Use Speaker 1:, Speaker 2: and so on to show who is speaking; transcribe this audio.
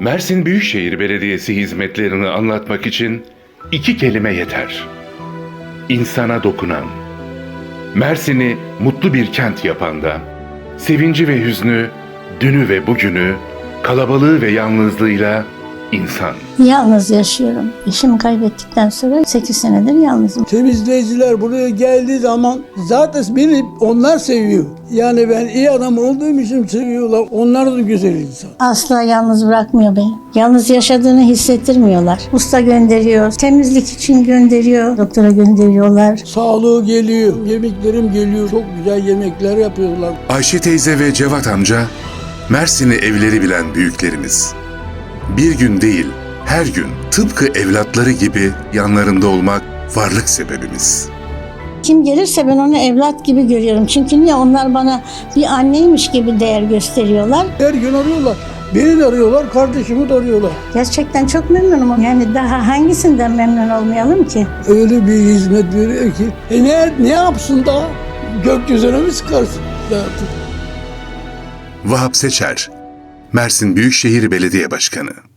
Speaker 1: Mersin Büyükşehir Belediyesi hizmetlerini anlatmak için iki kelime yeter. İnsana dokunan. Mersin'i mutlu bir kent yapan da, sevinci ve hüznü, dünü ve bugünü, kalabalığı ve yalnızlığıyla insan.
Speaker 2: Yalnız yaşıyorum. Eşimi kaybettikten sonra 8 senedir yalnızım.
Speaker 3: Temizleyiciler buraya geldiği zaman zaten beni onlar seviyor. Yani ben iyi adam olduğum için seviyorlar. Onlar da güzel insan.
Speaker 2: Asla yalnız bırakmıyor beni. Yalnız yaşadığını hissettirmiyorlar. Usta gönderiyor, temizlik için gönderiyor, doktora gönderiyorlar.
Speaker 3: Sağlığı geliyor, yemeklerim geliyor. Çok güzel yemekler yapıyorlar.
Speaker 1: Ayşe teyze ve Cevat amca, Mersin'i evleri bilen büyüklerimiz. Bir gün değil, her gün tıpkı evlatları gibi yanlarında olmak varlık sebebimiz.
Speaker 2: Kim gelirse ben onu evlat gibi görüyorum. Çünkü niye? Onlar bana bir anneymiş gibi değer gösteriyorlar.
Speaker 3: Her gün arıyorlar. Beni de arıyorlar, kardeşimi de arıyorlar.
Speaker 2: Gerçekten çok memnunum. Yani daha hangisinden memnun olmayalım ki?
Speaker 3: Öyle bir hizmet veriyor ki. Ne yapsın daha? Gökyüzüne mi çıkarsın?
Speaker 1: Vahap Seçer, Mersin Büyükşehir Belediye Başkanı.